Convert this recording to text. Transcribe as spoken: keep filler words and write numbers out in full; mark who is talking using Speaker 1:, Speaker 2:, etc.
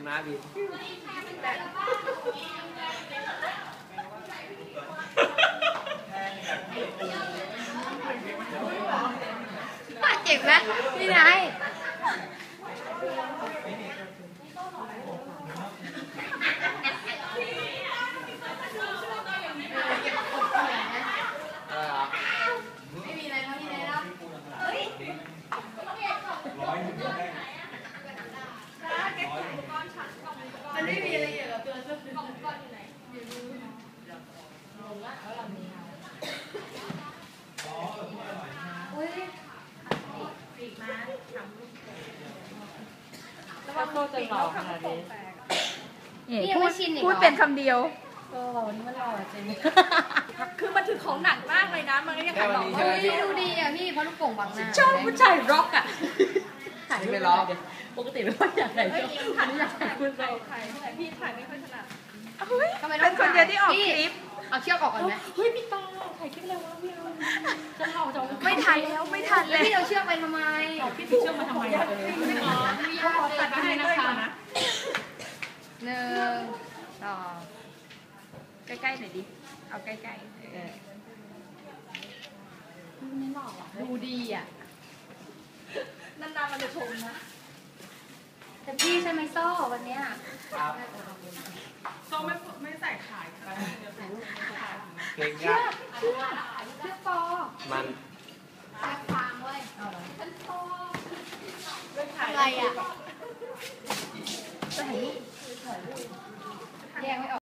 Speaker 1: ม้าบิน
Speaker 2: เจ็บไหมพี่นายไม่มีอะไรแล้วพี่นายแล้วเฮ้ยมันไม่มีอะไรเกี่ยวกับตัวเสื้อกล่องก้อนอยู่ไหนอยู่ดูงงละแล้วเรามีอุ้ยปีกม้าทำลูกแล้วว่าโตจะหล่อขนาดนี้นี่พูดพูดเป็นคำเดียวก็นี่มันหล่อจริงคือมันถือของหนักมากเลยนะมันก็ยังขายหล่อเฮ้ยดูดีอ่ะพี่เพราะลูกโป่งบังหน้าชอบผู้ชายร็อกอ่ะถ่ายไม่ร็อกปกติไม่ค่อยอยากถ่ายถ่ายอยากถ่ายคุณเราถ่ายไม่ถ่ายพี่ถ่ายไม่ค่อยถนัดเป็นคนเดียวที่ออกคลิปเอาเชือกออกก่อนไหมเฮ้ยพี่ตาถ่ายคลิปอะไรวะพี่จะเล่าจะไม่ทันแล้วไม่ทันเลยพี่เอาเชือกไปทำไมพี่ถือเชือกมาทำไมไม่ขออนุญาตตัดให้นะคะหนึ่งสองใกล้ๆหน่อยดิเอาใกล้ๆเออไม่หล่ออ่ะดูดีอ่ะนานๆมันจะชมนะแต่พี่ใช่ไหมโซ่วันเนี้ย
Speaker 3: โซ่ไม่ไม่ใส่ขายค่ะ
Speaker 1: เก่ง
Speaker 2: เชื
Speaker 1: ยา
Speaker 2: อกเชือกเชือกปอ
Speaker 1: มัน
Speaker 2: เชือกฟางเว้ยฉันปออะไรอ่ะจะถ่ายรูปแยกไม่ออก